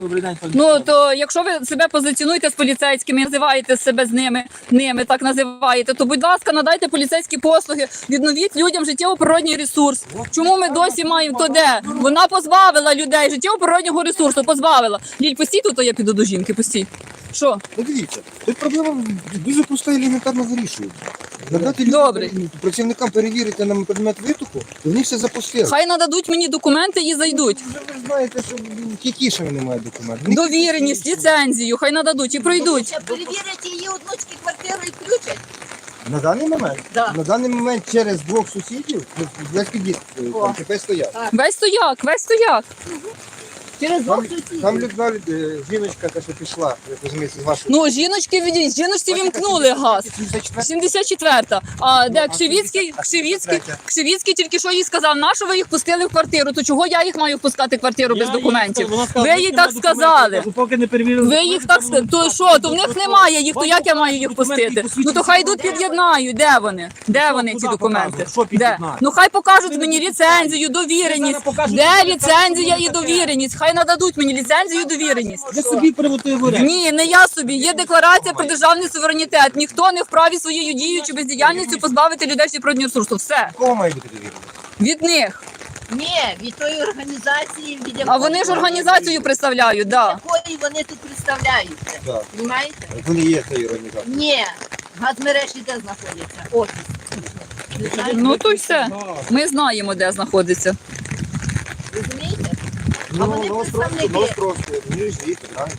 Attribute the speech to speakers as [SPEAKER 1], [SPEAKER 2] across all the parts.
[SPEAKER 1] Добрий день, пане.
[SPEAKER 2] Ну, то якщо ви себе позиціонуєте з поліцейськими, називаєте себе з ними так називаєте, то, будь ласка, надайте поліцейські послуги, відновіть людям життєво-природній ресурс. Чому ми досі маємо то де? Вона позбавила людей життєво-природнього ресурсу, позбавила. Ліль, постій тут, то я піду до жінки, постій. Що?
[SPEAKER 3] Ну дивіться, тут проблема дуже проста і елементарно вирішується. Надати
[SPEAKER 2] Добре.
[SPEAKER 3] працівникам перевірити на предмет витоку, і вони все запустили.
[SPEAKER 2] Хай нададуть мені документи і зайдуть.
[SPEAKER 3] Вже ви знаєте, що Кікішева немає документів.
[SPEAKER 2] Довіреність, ліцензію, хай нададуть і пройдуть.
[SPEAKER 4] Ще перевірять її одночки квартиру і включать.
[SPEAKER 3] На даний момент?
[SPEAKER 4] Да.
[SPEAKER 3] На даний момент через двох сусідів весь під'їзд там ТП стоять.
[SPEAKER 2] Весь стояк.
[SPEAKER 4] Через двох
[SPEAKER 3] Там
[SPEAKER 4] сусідів.
[SPEAKER 3] людина, жіночка, та що пішла, як розумієте, з вашого...
[SPEAKER 2] Ну, жіночці вімкнули газ. 74-та. А де Кшивіцький тільки що їй сказав, на що ви їх пустили в квартиру, то чого я їх маю впускати в квартиру без документів? Ви їй так сказали.
[SPEAKER 1] Поки не перевірили.
[SPEAKER 2] Ви їх так сказали. То що, то в них немає їх, то як я маю їх пустити? Ну то хай йдуть під'єднають. Де вони? Де вони ці документи?
[SPEAKER 1] Що
[SPEAKER 2] Де?
[SPEAKER 1] під'єднають?
[SPEAKER 2] Ну хай покажуть мені ліцензію, довіреність. Де ліцензія і довіреність? Хай нададуть мені ліцензію і довіреність.
[SPEAKER 1] Ви собі приватизуєте.
[SPEAKER 2] Ні, не я собі. Є декларація про державний суверенітет. Ніхто не вправі своєю дією чи бездіяльністю позбавити людей природнього ресурсу. Все.
[SPEAKER 3] Кого має бути довірено?
[SPEAKER 2] Від них.
[SPEAKER 4] Ні, від тої організації, від
[SPEAKER 2] А вони ж організацію представляють, да.
[SPEAKER 4] якої вони тут представляються.
[SPEAKER 3] Так.
[SPEAKER 4] Понимаєте?
[SPEAKER 3] Вони є цією організацією.
[SPEAKER 4] Ні, газмережі де знаходяться? Офіс. Ви знаєте?
[SPEAKER 2] Ну то й все. Ми знаємо, де знаходиться.
[SPEAKER 4] Розумієте? А
[SPEAKER 3] Ну,
[SPEAKER 4] вони представники.
[SPEAKER 3] просто, вони ж звідти, правильно?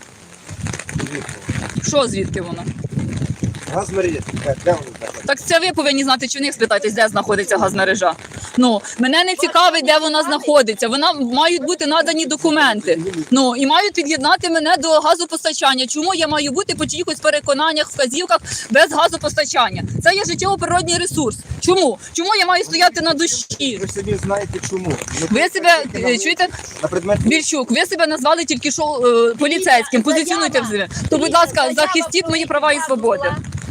[SPEAKER 2] Що звідки воно?
[SPEAKER 3] Газ мережі, де вони знаходяться?
[SPEAKER 2] Так це ви повинні знати, чи в них спитайтесь, де знаходиться газмережа. Ну, мене не цікавить, де вона знаходиться. Вона мають бути надані документи. Ну і мають під'єднати мене до газопостачання. Чому я маю бути по чиїхось переконаннях, вказівках без газопостачання? Це є життєво-природній ресурс. Чому? Чому я маю стояти на душі?
[SPEAKER 3] Ви самі знаєте чому.
[SPEAKER 2] Ви себе чуєте?
[SPEAKER 3] На предмет...
[SPEAKER 2] Вільчук, ви себе назвали тільки що поліцейським. Позиціонуйте в себе. То, будь ласка, захистіть мої права і свободи.